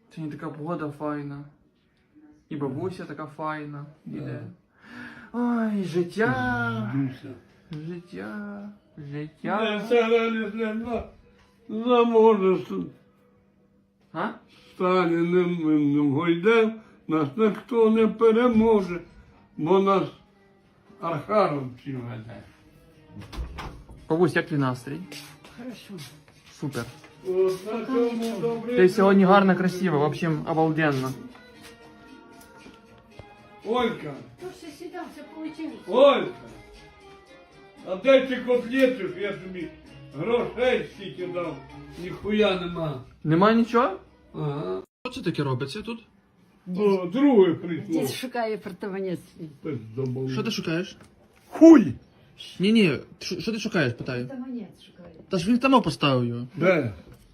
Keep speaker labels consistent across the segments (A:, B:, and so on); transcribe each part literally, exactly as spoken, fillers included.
A: Сьогодні така погода файна. І бабуся така файна. Іде. Ой, життя. Життя. Життя.
B: Заможе
A: А?
B: Сталіним гойдем, нас ніхто не переможе, бо нас архаровці веде.
A: Бабусь, як твій настрій?
C: Хорошо.
A: Супер.
B: От на цьому добре.
A: Ти сьогодні гарно, красиво, в общем, обалденно.
B: Олька,
C: То все сюда, все получилось.
B: Олька, а де ці котлети, я тобі грошей стільки дав, ніхуя нема.
A: Нема нічого?
B: Ага.
A: Що це таке робиться тут?
B: О, друге прийшло.
C: Дід шукає апартамент свій.
B: Пиздобол.
A: Що ти шукаєш?
B: Хуй!
A: Ні-ні, що що ти шукаєш, питаю.
C: Апартамент шукає.
A: Та ж він там поставив його.
B: Де?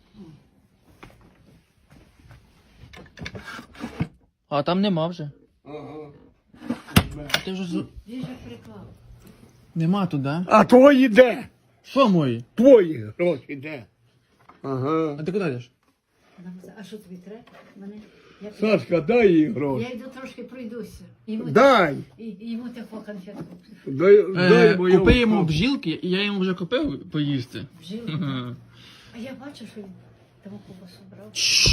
A: А там нема вже.
B: Ага.
A: А ти вже з...
C: Він же приклав.
A: Нема тут, да?
B: А твої де?
A: Що мої?
B: Твої гроші де? Ага.
A: А ти куди йдеш?
C: А що тобі треба? Мене... Я,
B: Сашка, дай їй
C: я
B: гроші.
C: йду трошки пройдуся. Йому,
B: Дай!
C: і, і йому таку конфетку.
B: Дай,
A: Е,
B: дай мою
A: купи йому
B: гроші.
A: бджілки, і я йому вже купив поїсти.
C: Вжив.
A: Ага.
C: А я бачу, що він тому ковбасу брав.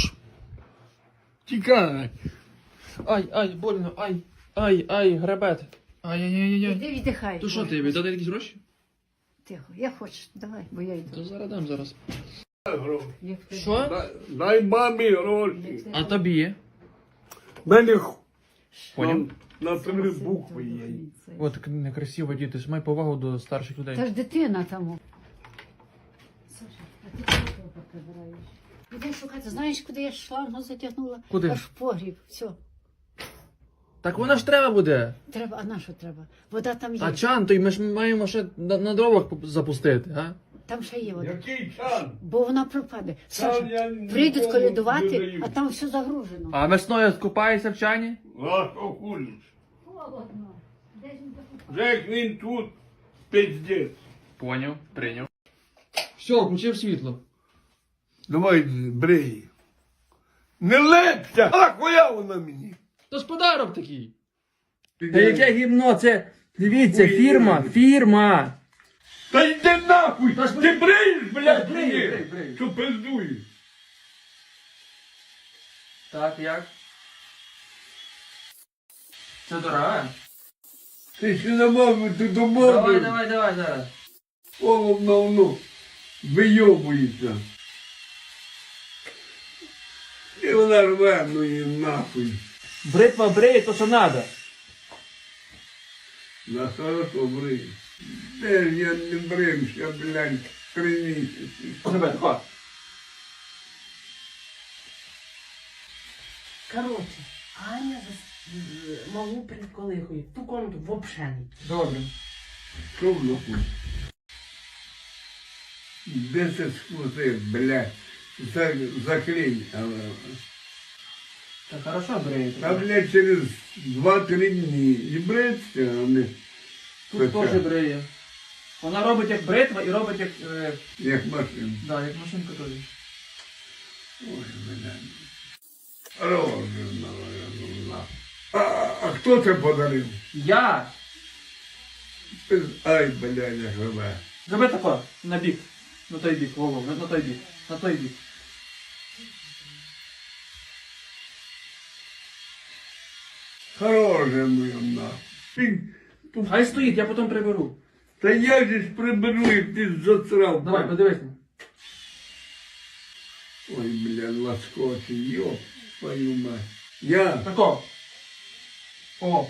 B: Тікай.
A: Ай, ай, больно, ай, ай, ай, гребет. Ай-яй-яй-яй.
C: Іди віддихай.
A: То що ти, віддати якісь гроші?
C: Тихо, я хочу, давай, бо я йду.
A: То зараз дам зараз.
B: Дай гроші.
C: Як ти-
A: Що?
B: Дай, дай мамі гроші.
C: як ти-
A: А тобі?
B: Мене х-
A: Поняв?
B: на, на три букви є.
A: От так некрасиво, діти, ж май повагу до старших
C: Та
A: людей.
C: ж дитина там. Саша, а ти чого того прибираєш? Іди шукати. Знаєш, куди я шлангу затягнула?
A: Куди?
C: Аж в погріб. Все.
A: Так вона ж треба буде.
C: Треба, а на що треба? Вода там є.
A: А чан, то й ми ж маємо ще на, на дровах поп- запустити, а?
C: Там ще є вода.
B: Який чан?
C: Бо вона пропаде.
B: Чан я
C: Саша,
B: нікому
C: прийдуть
B: не
C: колядувати,
B: даю.
C: а там все загружено.
A: А весною скупаєшся в чані?
B: А що хулиш?
C: Холодно. Де ж він закупав?
B: Вже як він тут, пиздець.
A: Поняв, прийняв. Все, включив світло.
B: Давай брей. Не лепся! А хуя вона мені?
A: То ж подарок такий. Та яке гімно, це, дивіться, фірма, фірма.
B: Та йди нахуй!
A: Та ж
B: Ти бреєш, блядь,
A: Брию,
B: мені?
A: брию, брию.
B: Що пиздуєш?
A: Так, як? Це дорога?
B: Ти ще не мав, ти
A: Давай,
B: домовив.
A: давай, давай зараз.
B: Холодно воно. Вийобується. І вона рве, ну її нахуй.
A: Бритва бриє, то що надо.
B: На хорошо брий. Де ж я не брився, блядь, три місяці.
A: Тебе, тако.
D: Короче, Аня за з- малу приколихує. Ту комнату вообще не.
A: Добре.
B: Що в нахуй? Де це скрутив, блядь? За, заклинь.
A: Так хорошо бриє.
B: А, блядь, через два-три дні. І бриться, а не
A: Тут
B: Хоча.
A: теж бриє. Вона робить як бритва і робить як, е,
B: як машина.
A: да, як машинка теж.
B: Ой, блядь. Розумно, розумно. А, а хто це подарив?
A: Я!
B: Ай, блядь, як живе.
A: Зроби тако, на бік. На той бік, Вова, на, на той бік. На той бік.
B: Хороше моє нахуй. Ти-
A: Хай стоїть, я потім приберу.
B: Та я же ж приберу, як ти засрав.
A: Давай, подивись.
B: Ой, блядь, ласкочий, ёб твою мать. Я,
A: Тако. О.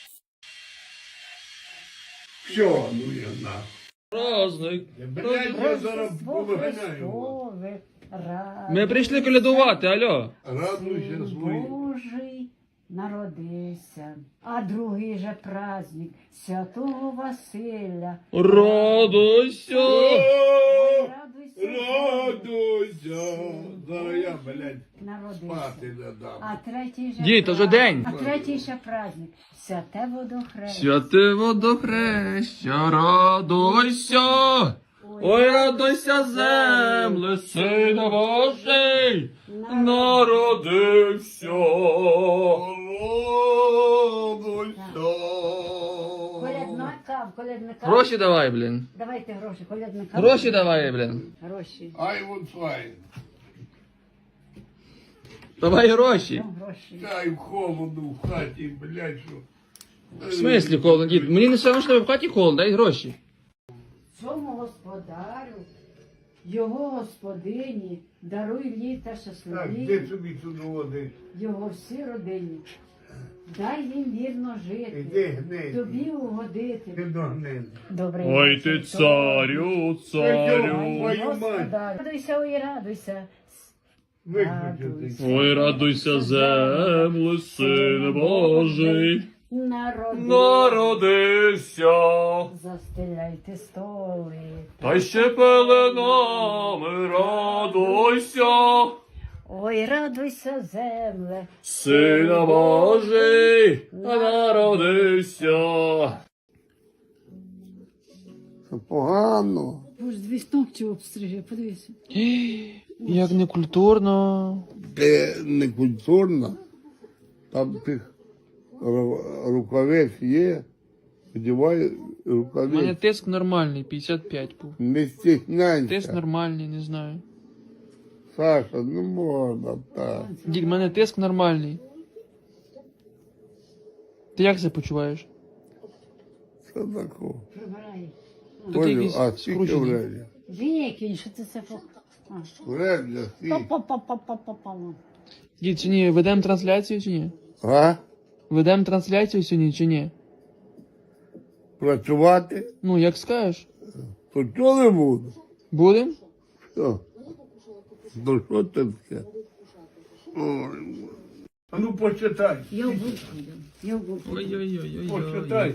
B: все, ну я нахуй.
A: Праздник.
B: Блядь, я зараз
C: Рождество
B: повиганяю.
C: Христове, радуйся,
A: Ми прийшли колядувати, алло.
B: Радуйся
C: Син
B: свої.
C: Божий народився, а другий же праздник Святого Василя.
A: Радуйся.
B: О,
C: Радуйся,
B: радуйся. Зараз я, блядь,
C: народився.
B: спати не дам.
C: А третій же
A: Дід, то вже
C: пра-
A: день.
C: А третій ще праздник Святе водохрещення.
A: Святе водохреща, радуйся. Ой, радуйся, земле, Сина Божий, народився.
C: Колядника, колядника.
A: Гроші давай, блін.
C: Давайте гроші, колядника.
A: Гроші давай, блін.
C: Гроші.
B: Ай, вот файн.
A: Давай гроші.
C: Ну, гроші.
B: Дай холодно в хаті, блядь, що.
A: В смислі холодно, дід? Мені не все одно, що в хаті холодно, дай гроші.
C: Цьому господарю, його господині, даруй літа
B: Так,
C: щасливі,
B: де собі тут води?
C: його всі родині. Дай їм вірно жити,
B: Іди гнить.
C: тобі угодити.
B: Ти догнив.
C: Добрий
A: Ой ти
C: вечір,
A: царю, царю.
B: Твою мать.
C: Господар. Радуйся, ой, радуйся.
B: Виключити.
A: Ой, радуйся, земле, Син Божий,
C: Народи,
A: народився.
C: застеляйте столи.
A: Та ще пеленами радуйся,
C: Ой, радуйся, земле.
A: Сина Божий, народився.
B: Погано.
C: Боже, дві ногті обстриже, подивися.
A: Як некультурно.
B: Це не культурно. Там тих ру- рукавець є. Одівай
A: У мене
B: рукавець.
A: тиск нормальний, п'ятдесят п'ять був.
B: Не
A: Тиск
B: стісняйся.
A: нормальний, не знаю.
B: Саша, не можна так.
A: Дід, у мене тиск нормальний. Ти як себе почуваєш?
B: Що такого?
C: Прибирай.
A: Тут
B: Полю,
A: якийсь
B: а скільки
A: скручений.
B: вредя?
C: Викинь, що ти це по... А.
B: Вредя, скільки?
C: Па-па-па-па-па-па.
A: Дід, чи ні, ведемо трансляцію чи ні?
B: А?
A: Ведемо трансляцію сьогодні чи ні?
B: Працювати?
A: Ну, як скажеш.
B: То чого не буду?
A: Будем?
B: Що? Ну що це таке? Ой, а ну почитай.
C: Я в булку йду. Я в булку.
A: Ой-ой-ой.
B: Почитай.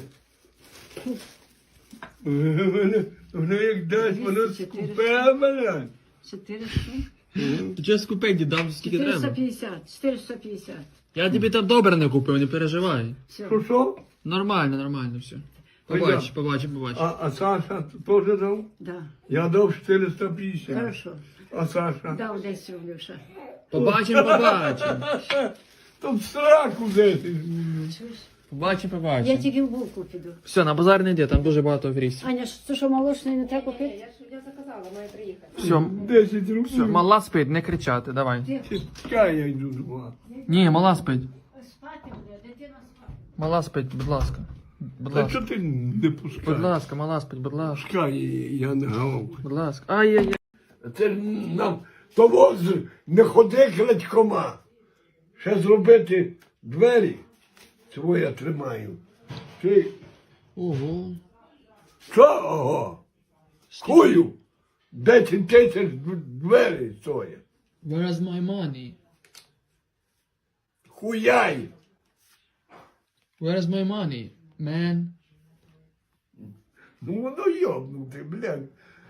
B: Воно як дасть, воно скупе мене.
C: чотириста.
A: Ти чого скупей, дід, дам скільки
C: чотириста
A: треба.
C: п'ятдесят. чотириста п'ятдесят.
A: Я тобі там добре не купив, не переживай.
C: Все.
B: Що що?
A: Нормально, нормально все. Побач,
B: Пойдем.
A: побач, побач.
B: А, а Саша теж дав?
C: Да.
B: Я дав чотириста п'ятдесят.
C: Хорошо.
B: А Саша?
C: Дав десять рублів ще.
A: Побачимо, побачимо.
B: Там сраку десять.
C: Чуєш?
A: Побачимо,
C: Я
A: побачимо.
C: тільки в булку піду.
A: Все, на базар не йди, там дуже багато аферістів.
C: Аня, що- це що молочний не треба купити?
A: Все,
B: Десять
A: все,
B: рублів.
A: мала спить, не кричати, давай.
B: Чекай, я йду з вами.
A: Ні, мала спить.
C: Спати буде, дитина спати.
A: Мала спить, будь ласка. Будь
B: А
A: ласка.
B: чого ти не
A: Будь
B: пускаєш?
A: ласка, мала спить, будь ласка.
B: Пускай, я не гавкаю.
A: Будь ласка. Ай-яй-яй.
B: Це ж нам того з- не ходи крадькома. Ще зробити двері. Цього я тримаю. Ти
A: Ого.
B: що? Ого? Хую? Десять тисяч двері стоять.
A: Where is my money?
B: Хуяй.
A: Where is my money, man?
B: Ну воно йобнути, блядь.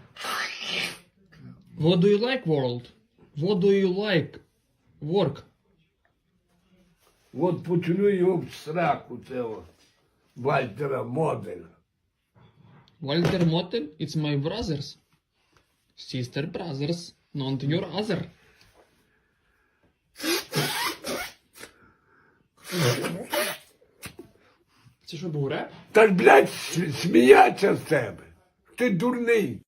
A: What do you like, world? What do you like? Work.
B: От почну його в сраку цього Вальтера Моделя.
A: Walter Motel, it's my brothers. Sister brothers, not your other. Це що був реп?
B: Та ж, блядь, с- сміяться з тебе. Ти дурний.